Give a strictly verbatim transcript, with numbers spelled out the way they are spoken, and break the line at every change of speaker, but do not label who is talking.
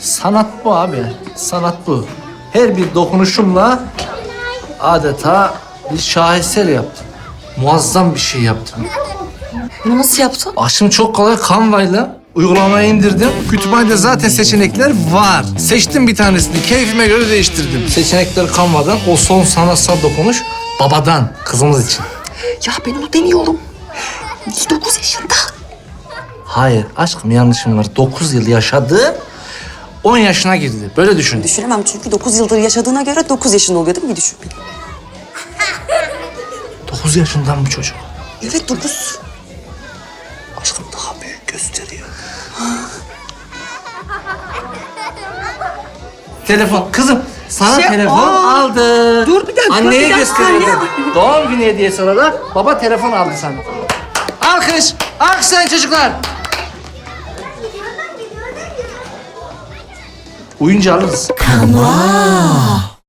Sanat bu abi. Sanat bu. Her bir dokunuşumla adeta bir şaheser yaptım. Muazzam bir şey yaptım.
Bunu nasıl yaptın?
Aşım çok kolay. Canva'yla uygulamayı indirdim. Kütüphanede zaten seçenekler var. Seçtim bir tanesini. Keyfime göre değiştirdim. Seçenekler Canva'dan. O son sanatsal dokunuş babadan, kızımız için.
Ya ben onu demiyorum. Dokuz yaşında.
Hayır aşkım, yanlışım var. Dokuz yıl yaşadı, on yaşına girdi. Böyle düşün.
Düşünemem çünkü dokuz yıldır yaşadığına göre dokuz yaşında oluyor değil mi? Bir düşün.
Dokuz yaşından bu çocuk.
Evet dokuz.
Aşkım daha büyük gösteriyor. Telefon. Kızım sana
Şey,
telefon
aa,
aldı.
dur bir dakika,
Anneye
bir dakika,
gösteriyordu.
anne.
Doğum günü hediyesi olarak baba telefon aldı sana. Alkış. Alkışlayın çocuklar. Uyunca alırız.